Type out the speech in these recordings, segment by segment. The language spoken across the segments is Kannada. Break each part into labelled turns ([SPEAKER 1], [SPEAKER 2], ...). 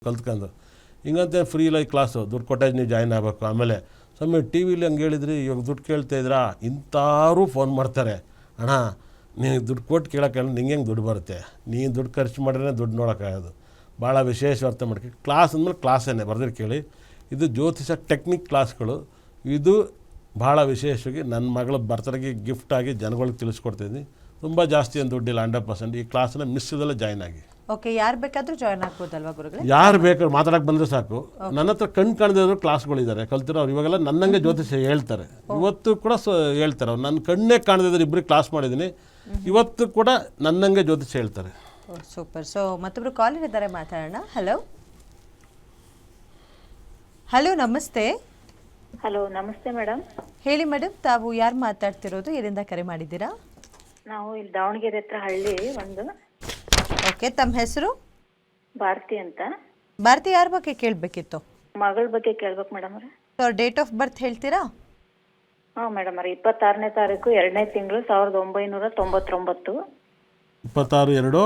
[SPEAKER 1] ಕಲ್ತ್ಕೊಂಡು ಹಿಂಗಂತೆ ಫ್ರೀ ಲೈಕ್ ಕ್ಲಾಸು ದುಡ್ಡು ಕೊಟ್ಟಾಗ ನೀವು ಜಾಯ್ನ್ ಆಗಬೇಕು. ಆಮೇಲೆ ಸ್ವಾಮಿ ಟಿ ವಿಲಿ ಹಂಗೆ ಹೇಳಿದ್ರಿ, ಇವಾಗ ದುಡ್ಡು ಕೇಳ್ತಾಯಿದ್ರಾ ಇಂಥವ್ರು ಫೋನ್ ಮಾಡ್ತಾರೆ, ಅಣ್ಣ ನೀನು ದುಡ್ಡು ಕೊಟ್ಟು ಕೇಳೋಕ್ಕೆ ನಿಂಗೆ ಹೆಂಗೆ ದುಡ್ಡು ಬರುತ್ತೆ, ನೀನು ದುಡ್ಡು ಖರ್ಚು ಮಾಡಿದ್ರೆ ದುಡ್ಡು ನೋಡೋಕ್ಕಾಗೋದು. ಭಾಳ ವಿಶೇಷ ಅರ್ಥ ಮಾಡ್ಕೊ. ಕ್ಲಾಸ್ ಅಂದಮೇಲೆ ಕ್ಲಾಸೇನೆ ಬರ್ದಿರಿ ಕೇಳಿ. ಇದು ಜ್ಯೋತಿಷ ಟೆಕ್ನಿಕ್ ಕ್ಲಾಸ್ಗಳು. ಇದು ಭಾಳ ವಿಶೇಷವಾಗಿ ನನ್ನ ಮಗಳ ಬರ್ತಡೆಗೆ ಗಿಫ್ಟಾಗಿ ಜನಗಳಿಗೆ ತಿಳಿಸ್ಕೊಡ್ತಿದ್ದೀನಿ. ತುಂಬ ಜಾಸ್ತಿ ಏನು ದುಡ್ಡಿಲ್ಲ, 100%. ಈ ಕ್ಲಾಸನ್ನ ಮಿಸ್ ಇದ್ದಲ್ಲ ಜಾಯ್ನ್ ಆಗಿ.
[SPEAKER 2] ಓಕೆ, ಯಾರು ಬೇಕಾದರೂ ಜಾಯ್ನ್ ಆಗ್ಬೋದಲ್ವಾ ಗುರುಗಳೇ?
[SPEAKER 1] ಯಾರು ಬೇಕಾದ್ರೂ ಮಾತಾಡೋಕೆ ಬಂದರೆ ಸಾಕು. ನನ್ನ ಹತ್ರ ಕಣ್ಣು ಕಾಣದಿರೋ ಕ್ಲಾಸ್ಗಳಿದ್ದಾರೆ ಕಲ್ತಿರೋರು. ಇವಾಗೆಲ್ಲ ನನ್ನಂಗೆ ಜ್ಯೋತಿಷ ಹೇಳ್ತಾರೆ, ಇವತ್ತು ಕೂಡ ಹೇಳ್ತಾರೆ. ಅವ್ರು ನನ್ನ ಕಣ್ಣೇ ಕಾಣದಿದ್ರು ಇಬ್ಬರಿಗೆ ಕ್ಲಾಸ್ ಮಾಡಿದ್ದೀನಿ, ಇವತ್ತು ಕೂಡ ನನ್ನಂಗೆ ಜ್ಯೋತಿಷ ಹೇಳ್ತಾರೆ.
[SPEAKER 2] ಸೂಪರ್. ಸೊ ಮತ್ತೊಬ್ರು ಕಾಲರ್ ಇದ್ದಾರೆ, ಮಾತಾಡೋಣ. ಹಲೋ ಹಲೋ, ನಮಸ್ತೆ.
[SPEAKER 3] ಹಲೋ, ನಮಸ್ತೆ ಮೇಡಮ್.
[SPEAKER 2] ಹೇಳಿ ಮೇಡಮ್, ತಾವು ಯಾರು ಮಾತಾಡ್ತಿರೋದು, ಎಲ್ಲಿಂದ ಕರೆ ಮಾಡಿದ್ದೀರಾ?
[SPEAKER 3] ನಾವು ಇಲ್ಲಿ ದಾವಣಗೆರೆ ಹತ್ರ ಹಳ್ಳಿ ಒಂದು.
[SPEAKER 2] ಓಕೆ, ತಮ್ಮ ಹೆಸರು?
[SPEAKER 3] ಭಾರತಿ ಅಂತ.
[SPEAKER 2] ಭಾರತಿ ಯಾರ ಬಗ್ಗೆ ಕೇಳಬೇಕಿತ್ತು?
[SPEAKER 3] ಮಗಳ ಬಗ್ಗೆ ಕೇಳ್ಬೇಕು ಮೇಡಮ್ ಅವ್ರೆ.
[SPEAKER 2] ಸೊ ಡೇಟ್ ಆಫ್ ಬರ್ತ್ ಹೇಳ್ತೀರಾ?
[SPEAKER 3] ಹಾಂ ಮೇಡಮ್ ಅವ್ರೆ, 26ನೇ ತಾರೀಕು 2ನೇ ತಿಂಗಳು 1999.
[SPEAKER 1] 26/2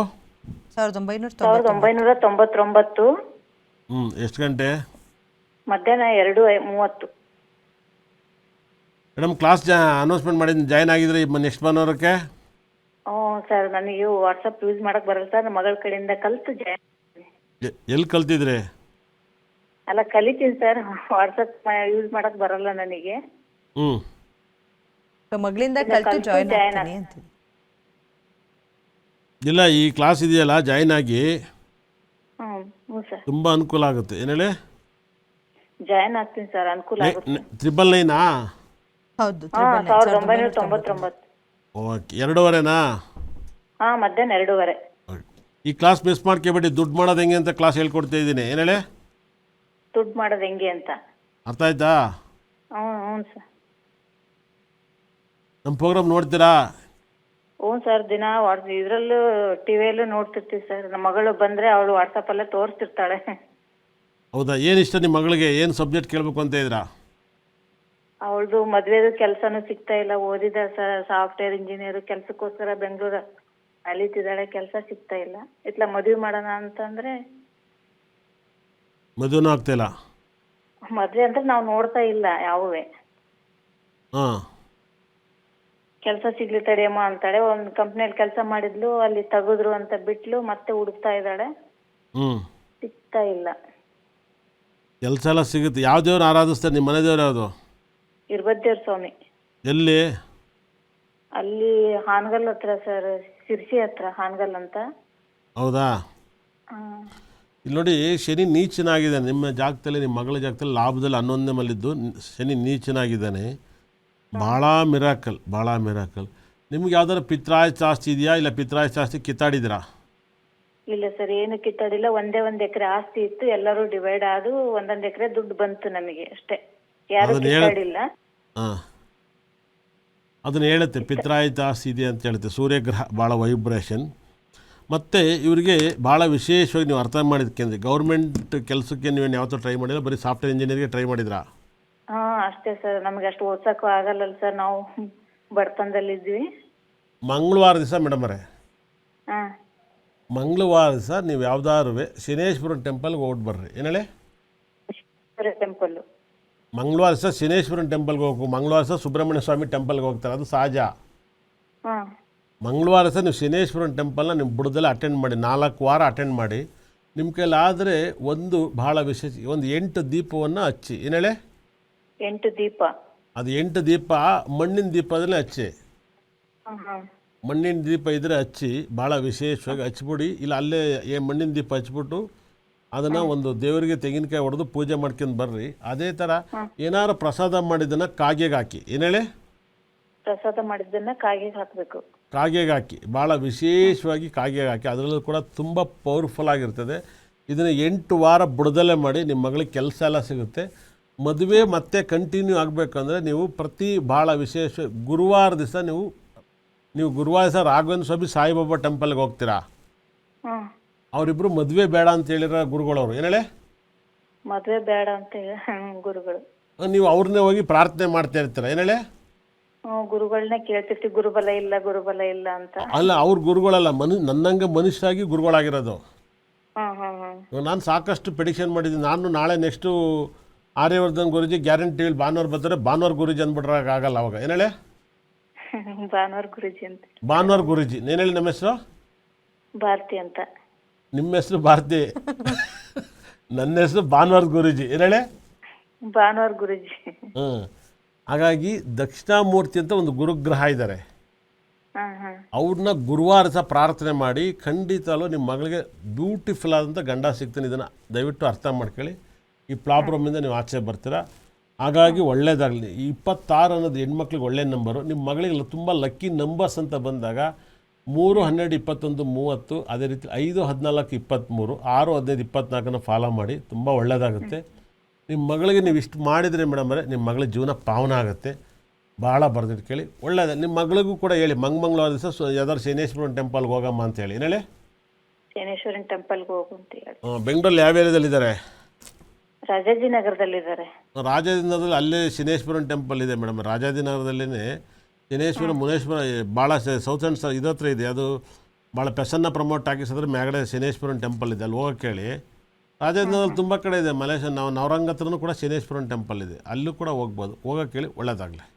[SPEAKER 3] 1999.
[SPEAKER 1] ಎಷ್ಟು ಗಂಟೆ?
[SPEAKER 3] ಮಧ್ಯಾಹ್ನ 2:30.
[SPEAKER 1] ಮೇಡಮ್ ಕ್ಲಾಸ್ ಅನೌನ್ಸ್ಮೆಂಟ್ ಮಾಡಿದ್ದೀನಿ, ಜಾಯ್ನ್ ಆಗಿದ್ರೆ ನೆಕ್ಸ್ಟ್ ಭಾನುವಾರಕ್ಕೆ?
[SPEAKER 3] ಹ್ಞೂ ಸರ್, ನನಗೆ ವಾಟ್ಸಪ್ ಯೂಸ್ ಮಾಡಕ್ಕೆ ಬರಲ್ಲ ಸರ್. ನಮ್ಮ ಮಗಳ ಕಡೆಯಿಂದ ಕಲಿತು ಜಾಯ್ನ್.
[SPEAKER 1] ಎಲ್ಲಿ ಕಲ್ತಿದ್ರಿ?
[SPEAKER 3] ಅಲ್ಲ, ಕಲಿತೀನಿ ಸರ್, ವಾಟ್ಸಪ್ ಯೂಸ್ ಮಾಡಕ್ಕೆ ಬರಲ್ಲ ನನಗೆ.
[SPEAKER 2] ಸೊ ಮಗಳಿಂದ ಕಲಿತು ಜಾಯ್ನ್ ಆಗ್ತೀನಿ ಅಂತ.
[SPEAKER 1] ಇಲ್ಲ, ಈ ಕ್ಲಾಸ್ ಇದೆಯಲ್ಲ, ಜಾಯ್ನ್ ಆಗಿ
[SPEAKER 3] ಹ್ಞೂ ಸರ್,
[SPEAKER 1] ತುಂಬ ಅನುಕೂಲ ಆಗುತ್ತೆ. ಏನು ಹೇಳಿ?
[SPEAKER 3] ಜಾಯ್ನ್ ಆಗ್ತೀನಿ ಸರ್, ಅನುಕೂಲ ಆಗುತ್ತೆ.
[SPEAKER 1] 999?
[SPEAKER 2] ಹೌದು,
[SPEAKER 3] 1999.
[SPEAKER 1] ಓಕೆ, 2:30ನಾ?
[SPEAKER 3] ಹಾಂ, ಮಧ್ಯಾಹ್ನ 2:30.
[SPEAKER 1] ಈ ಕ್ಲಾಸ್ ಮಿಸ್ ಮಾಡ್ಕೊಬೇಡಿ. ದುಡ್ಡು ಮಾಡೋದು ಹೆಂಗೆ ಅಂತ ಕ್ಲಾಸ್ ಹೇಳ್ಕೊಡ್ತಾ ಇದ್ದೀನಿ. ಏನು ಹೇಳಿ?
[SPEAKER 3] ದುಡ್ಡು ಮಾಡೋದು ಹೆಂಗೆ ಅಂತ
[SPEAKER 1] ಅರ್ಥ ಆಯ್ತಾ?
[SPEAKER 3] ಹ್ಞೂ ಸರ್.
[SPEAKER 1] ನಮ್ಮ ಪ್ರೋಗ್ರಾಮ್ ನೋಡ್ತೀರಾ?
[SPEAKER 3] ಹ್ಞೂ ಸರ್, ದಿನ ಇದರಲ್ಲೂ ಟಿವಿಯಲ್ಲೂ ನೋಡ್ತಿರ್ತೀವಿ ಸರ್. ನಮ್ಮ ಮಗಳು ಬಂದರೆ ಅವಳು ವಾಟ್ಸಪ್ಪಲ್ಲೇ ತೋರಿಸ್ತಿರ್ತಾಳೆ.
[SPEAKER 1] ಹೌದಾ? ಏನು ಇಷ್ಟ ನಿಮ್ಮ ಮಗಳಿಗೆ? ಏನು ಸಬ್ಜೆಕ್ಟ್ ಕೇಳಬೇಕು ಅಂತ ಇದ್ದೀರಾ?
[SPEAKER 3] ಅವಳದು ಮದುವೆದು ಕೆಲಸನೂ ಸಿಗ್ತಾ ಇಲ್ಲ. ಓದಿದ ಸರ್, ಸಾಫ್ಟ್ವೇರ್ ಇಂಜಿನಿಯರ್ ಕೆಲಸಕ್ಕೋಸ್ಕರ ಬೆಂಗಳೂರು ಅಲಿತಿದ್ದಾಳೆ, ಕೆಲಸ ಸಿಗ್ತಾ ಇಲ್ಲ. ಇತ್ಲ ಮದುವೆ ಮಾಡೋಣ ಅಂತಂದರೆ
[SPEAKER 1] ಮದುವೆನೂ ಆಗ್ತಾಯಿಲ್ಲ.
[SPEAKER 3] ಮದುವೆ ಅಂದ್ರೆ ನಾವು ನೋಡ್ತಾ ಇಲ್ಲ ಯಾವುವೇ.
[SPEAKER 1] ಹಾಂ,
[SPEAKER 3] ಕೆಲಸ ಸಿಗ್ಲಿ ತಡಿಯಮ್ಮ ಅಂತಾಳೆ. ಒಂದು ಕಂಪ್ನಿಯಲ್ಲಿ ಕೆಲಸ ಮಾಡಿದ್ಲು, ಅಲ್ಲಿ ತೆಗೆದ್ರು ಅಂತ ಬಿಟ್ಲು, ಮತ್ತೆ ಹುಡುಕ್ತಾ ಇದ್ದಾಳೆ, ಸಿಗ್ತಾ ಇಲ್ಲ.
[SPEAKER 1] ಕೆಲಸ ಎಲ್ಲ ಸಿಗುತ್ತೆ. ಯಾವ ದೇವ್ರು ಆರಾಧಿಸ್ತಾರೆ? ನಿಮ್ಮ ಮನೆ ದೇವ್ರು ಯಾವುದು?
[SPEAKER 3] ಇರ್ಬದ್ದೇವ್ರ ಸ್ವಾಮಿ.
[SPEAKER 1] ಎಲ್ಲಿ?
[SPEAKER 3] ಅಲ್ಲಿ ಹಾನಗಲ್ ಹತ್ರ ಸರ್, ಶಿರ್ಸಿ ಹತ್ರ ಹಾನಗಲ್ ಅಂತ.
[SPEAKER 1] ಹೌದಾ? ಇಲ್ಲಿ ನೋಡಿ, ಶನಿ ನೀಚನಾಗಿದ್ದಾನೆ ನಿಮ್ಮ ಜಾಗದಲ್ಲಿ. ನಿಮ್ಮ ಮಗಳ ಜಾಗದಲ್ಲಿ ಲಾಭದಲ್ಲಿ 11ನೇ ಮಲ್ಲಿದ್ದು ಶನಿ ನೀಚನಾಗಿದ್ದಾನೆ. ಭಾಳ ಮಿರಾಕಲ್, ಭಾಳ ಮಿರಾಕಲ್. ನಿಮ್ಗೆ ಯಾವ್ದಾದ್ರು ಪಿತ್ರಾಯಸ್ ಆಸ್ತಿ ಇದೆಯಾ? ಇಲ್ಲ ಪಿತ್ರಾಯಸ್ ಆಸ್ತಿ ಕಿತ್ತಾಡಿದ್ದೀರಾ?
[SPEAKER 3] ಇಲ್ಲ ಸರ್, ಏನು ಕಿತ್ತಾಡಿಲ್ಲ. ಒಂದೇ 1 ಎಕರೆ ಆಸ್ತಿ ಇತ್ತು, ಎಲ್ಲರೂ ಡಿವೈಡ್ ಆದು 1 ಎಕರೆ ದುಡ್ಡು ಬಂತು ನಮಗೆ ಅಷ್ಟೇ. ಯಾರು ಕಿತ್ತಾಡಿಲ್ಲ.
[SPEAKER 1] ಹಾಂ, ಅದನ್ನು ಹೇಳುತ್ತೆ, ಪಿತ್ರಾಯಸ್ ಆಸ್ತಿ ಇದೆ ಅಂತ ಹೇಳುತ್ತೆ. ಸೂರ್ಯಗ್ರಹ ಭಾಳ ವೈಬ್ರೇಷನ್. ಮತ್ತು ಇವರಿಗೆ ಭಾಳ ವಿಶೇಷವಾಗಿ ನೀವು ಅರ್ಥ ಮಾಡಿದ್ಕೆಂದ್ರೆ, ಗೌರ್ಮೆಂಟ್ ಕೆಲಸಕ್ಕೆ ನೀವೇನು ಯಾವತ್ತೂ ಟ್ರೈ ಮಾಡಿಲ್ಲ, ಬರೀ ಸಾಫ್ಟ್ವೇರ್ ಇಂಜಿನಿಯರ್ಗೆ ಟ್ರೈ ಮಾಡಿದ್ರಾ?
[SPEAKER 3] ಹಾಂ, ಅಷ್ಟೇ ಸರ್. ನಮಗೆ ಅಷ್ಟು ಓದ್ಸೋಕ್ಕೂ ಆಗಲ್ಲ ಸರ್, ನಾವು ಬಡತನದಲ್ಲಿದ್ವಿ.
[SPEAKER 1] ಮಂಗಳವಾರ ದಿವಸ ಮೇಡಮ್ ಅವರೇ,
[SPEAKER 3] ಹಾಂ,
[SPEAKER 1] ಮಂಗಳವಾರ ದಿವಸ ನೀವು ಯಾವ್ದಾದ್ರು ಶನೇಶ್ವರನ ಟೆಂಪಲ್ಗೆ ಹೋಗ್ಬಿಟ್ಟು ಬರ್ರಿ. ಏನು ಹೇಳಿ?
[SPEAKER 3] ಟೆಂಪಲ್ಲು
[SPEAKER 1] ಮಂಗಳವಾರ ದಿವಸ ಶನೇಶ್ವರನ ಟೆಂಪಲ್ಗೆ ಹೋಗು. ಮಂಗಳವಾರ ದಿವಸ ಸುಬ್ರಹ್ಮಣ್ಯ ಸ್ವಾಮಿ ಟೆಂಪಲ್ಗೆ ಹೋಗ್ತಾರೆ, ಅದು ಸಹಜ.
[SPEAKER 3] ಹಾಂ,
[SPEAKER 1] ಮಂಗಳವಾರ ದಿವಸ ನೀವು ಶನೇಶ್ವರನ ಟೆಂಪಲ್ನ ನಿಮ್ಮ ಬುಡದಲ್ಲಿ ಅಟೆಂಡ್ ಮಾಡಿ, 4 ವಾರ ಅಟೆಂಡ್ ಮಾಡಿ. ನಿಮ್ಮ ಕೈಲಾದರೆ ಒಂದು ಭಾಳ ವಿಶೇಷ, ಒಂದು 8 ದೀಪವನ್ನು ಹಚ್ಚಿ. ಏನು ಹೇಳಿ?
[SPEAKER 3] 8 ದೀಪ.
[SPEAKER 1] ಅದು 8 ದೀಪ ಮಣ್ಣಿನ ದೀಪದಲ್ಲೇ ಹಚ್ಚಿ. ಮಣ್ಣಿನ ದೀಪ ಇದ್ದರೆ ಹಚ್ಚಿ, ಭಾಳ ವಿಶೇಷವಾಗಿ ಹಚ್ಬಿಡಿ. ಇಲ್ಲ ಅಲ್ಲೇ ಮಣ್ಣಿನ ದೀಪ ಹಚ್ಬಿಟ್ಟು ಅದನ್ನು ಒಂದು ದೇವರಿಗೆ ತೆಂಗಿನಕಾಯಿ ಹೊಡೆದು ಪೂಜೆ ಮಾಡ್ಕೊಂಡು ಬರ್ರಿ. ಅದೇ ಥರ ಏನಾರು ಪ್ರಸಾದ ಮಾಡಿದ್ದನ್ನು ಕಾಗೆಗೆ ಹಾಕಿ. ಏನು ಹೇಳಿ?
[SPEAKER 3] ಪ್ರಸಾದ ಮಾಡಿದ್ದನ್ನು ಕಾಗೆಗೆ ಹಾಕಬೇಕು.
[SPEAKER 1] ಕಾಗೆಗೆ ಹಾಕಿ, ಭಾಳ ವಿಶೇಷವಾಗಿ ಕಾಗೆಗೆ ಹಾಕಿ. ಅದರಲ್ಲೂ ಕೂಡ ತುಂಬ ಪವರ್ಫುಲ್ ಆಗಿರ್ತದೆ. ಇದನ್ನು 8 ವಾರ ಬುಡದಲ್ಲೇ ಮಾಡಿ, ನಿಮ್ಮ ಮಗಳಿಗೆ ಕೆಲಸ ಎಲ್ಲ ಸಿಗುತ್ತೆ. ಮದುವೆ ಮತ್ತೆ ಕಂಟಿನ್ಯೂ ಆಗಬೇಕಂದ್ರೆ ನೀವು ಭಾಳ ವಿಶೇಷ ಗುರುವಾರ ದಿವಸ ನೀವು ಗುರುವಾರ ದಿವಸ ರಾಘವೇಂದ್ರ ಸ್ವಾಮಿ ಸಾಯಿಬಾಬಾ ಟೆಂಪಲ್ಗೆ ಹೋಗ್ತೀರಾ? ಅವರಿಬ್ಬರು ಮದುವೆ ಬೇಡ ಅಂತ ಹೇಳಿರೋ ಗುರುಗಳವರು. ಏನು ಹೇಳಿ?
[SPEAKER 3] ಮದುವೆ ಬೇಡ ಅಂತ ಗುರುಗಳು.
[SPEAKER 1] ನೀವು ಅವ್ರನ್ನೇ ಹೋಗಿ ಪ್ರಾರ್ಥನೆ ಮಾಡ್ತಾ ಇರ್ತೀರ. ಏನು ಹೇಳಿ?
[SPEAKER 3] ಗುರುಗಳನ್ನೇ ಕೇಳ್ತಿರ್ತೀವಿ, ಗುರುಬಲ ಇಲ್ಲ ಅಂತ.
[SPEAKER 1] ಅಲ್ಲ, ಅವ್ರ ಗುರುಗಳಲ್ಲ, ನನ್ನಂಗೆ ಮನುಷ್ಯರಾಗಿ ಗುರುಗಳಾಗಿರೋದು.
[SPEAKER 3] ಹಾಂ ಹಾಂ ಹಾಂ
[SPEAKER 1] ಇವಾಗ ನಾನು ಸಾಕಷ್ಟು ಪ್ರಿಡಿಕ್ಷನ್ ಮಾಡಿದ್ದೀನಿ. ನಾನು ನಾಳೆ ನೆಕ್ಸ್ಟು ಆರ್ಯವರ್ಧನ್ ಗುರುಜಿ ಗ್ಯಾರಂಟಿ ಹೇಳಿ ಭಾನುವಾರ ಬರ್ತಾರೆ, ಭಾನುವಾರ ಗುರುಜಿ ಅಂದ್ಬಿಟ್ರೆ ಆಗಲ್ಲ ಅವಾಗ. ಏನು ಹೇಳಿ?
[SPEAKER 3] ಭಾನುವಾರ ಗುರುಜಿ ಅಂತ.
[SPEAKER 1] ಭಾನುವಾರ ಗುರುಜಿ. ಏನು ಹೇಳಿ ನಮ್ಮ ಹೆಸರು?
[SPEAKER 3] ಭಾರತಿ ಅಂತ.
[SPEAKER 1] ನಿಮ್ಮ ಹೆಸರು ಭಾರತಿ, ನನ್ನ ಹೆಸರು ಭಾನುವಾರ ಗುರುಜಿ. ಏನು ಹೇಳಿ?
[SPEAKER 3] ಭಾನುವಾರ ಗುರುಜಿ.
[SPEAKER 1] ಹ್ಞೂ. ಹಾಗಾಗಿ ದಕ್ಷಿಣಾಮೂರ್ತಿ ಅಂತ ಒಂದು ಗುರುಗ್ರಹ ಇದ್ದಾರೆ.
[SPEAKER 3] ಹಾಂ ಹಾಂ
[SPEAKER 1] ಅವ್ರನ್ನ ಗುರುವಾರ ಸಹ ಪ್ರಾರ್ಥನೆ ಮಾಡಿ ಖಂಡಿತಲೂ ನಿಮ್ಮ ಮಗಳಿಗೆ ಬ್ಯೂಟಿಫುಲ್ ಆದಂಥ ಗಂಡ ಸಿಗ್ತಾನೆ. ಇದನ್ನು ದಯವಿಟ್ಟು ಅರ್ಥ ಮಾಡ್ಕೊಳ್ಳಿ. ಈ ಪ್ರಾಬ್ಲಮಿಂದ ನೀವು ಆಚೆ ಬರ್ತೀರಾ. ಹಾಗಾಗಿ ಒಳ್ಳೇದಾಗಲಿ. 26 ಅನ್ನೋದು ಹೆಣ್ಮಕ್ಳಿಗೆ ಒಳ್ಳೆಯ ನಂಬರು. ನಿಮ್ಮ ಮಗಳಿಗೆ ತುಂಬ ಲಕ್ಕಿ ನಂಬರ್ಸ್ ಅಂತ ಬಂದಾಗ 3, 12, 21, 30, ಅದೇ ರೀತಿ 5, 14, 23, 6, 15, 24 ಫಾಲೋ ಮಾಡಿ. ತುಂಬ ಒಳ್ಳೆಯದಾಗುತ್ತೆ. ನಿಮ್ಮ ಮಗಳಿಗೆ ನೀವು ಇಷ್ಟು ಮಾಡಿದರೆ ಮೇಡಮರೇ ನಿಮ್ಮ ಮಗಳ ಜೀವನ ಪಾವನ ಆಗುತ್ತೆ. ಭಾಳ ಬರ್ದಿಟ್ಟು ಕೇಳಿ. ಒಳ್ಳೆಯದು. ನಿಮ್ಮ ಮಗಳಿಗೂ ಕೂಡ ಹೇಳಿ ಮಂಗಳವಾರ ದಿವಸ ಯಾವ್ದಾದ್ರು ಶನೇಶ್ವರನ ಟೆಂಪಲ್ಗೆ ಹೋಗಮ್ಮ ಅಂತ ಹೇಳಿ. ಏನು ಹೇಳಿ?
[SPEAKER 3] ಶನೇಶ್ವರನ್ ಟೆಂಪಲ್ಗೆ ಹೋಗು ಅಂತ ಹೇಳಿ.
[SPEAKER 1] ಬೆಂಗಳೂರಲ್ಲಿ ಯಾವ ಏರಿಯಾದಲ್ಲಿದ್ದಾರೆ?
[SPEAKER 3] ರಾಜಾಜಿನಗರದಲ್ಲಿದ್ದಾರೆ.
[SPEAKER 1] ರಾಜಾಜಿನಗರದಲ್ಲಿ ಅಲ್ಲೇ ಶನೇಶ್ವರನ ಟೆಂಪಲ್ ಇದೆ ಮೇಡಮ್. ರಾಜಾಜಿನಗರದಲ್ಲೇ ಶನೇಶ್ವರ ಮುನೇಶ್ವರ ಭಾಳ ಸೌತ್ ಆ್ಯಂಡ್ ಇದ್ರ ಹತ್ರ ಇದೆ. ಅದು ಭಾಳ ಪೆಸನ್ನ ಪ್ರಮೋಟ್ ಆಗಿಸಿದ್ರೆ ಮ್ಯಾಗಡೆ ಶನೇಶ್ವರನ ಟೆಂಪಲ್ ಇದೆ, ಅಲ್ಲಿ ಹೋಗೋಕ್ಕೆ ಹೇಳಿ. ರಾಜಾಜಿನಗರದಲ್ಲಿ ತುಂಬ ಕಡೆ ಇದೆ. ಮಲೇಶ್ವರ ನಾವು ನವರಂಗ ಹತ್ರನೂ ಕೂಡ ಶನೇಶ್ವರನ ಟೆಂಪಲ್ ಇದೆ, ಅಲ್ಲೂ ಕೂಡ ಹೋಗ್ಬೋದು. ಹೋಗೋಕ್ಕೆ ಹೇಳಿ. ಒಳ್ಳೆಯದಾಗಲಿ.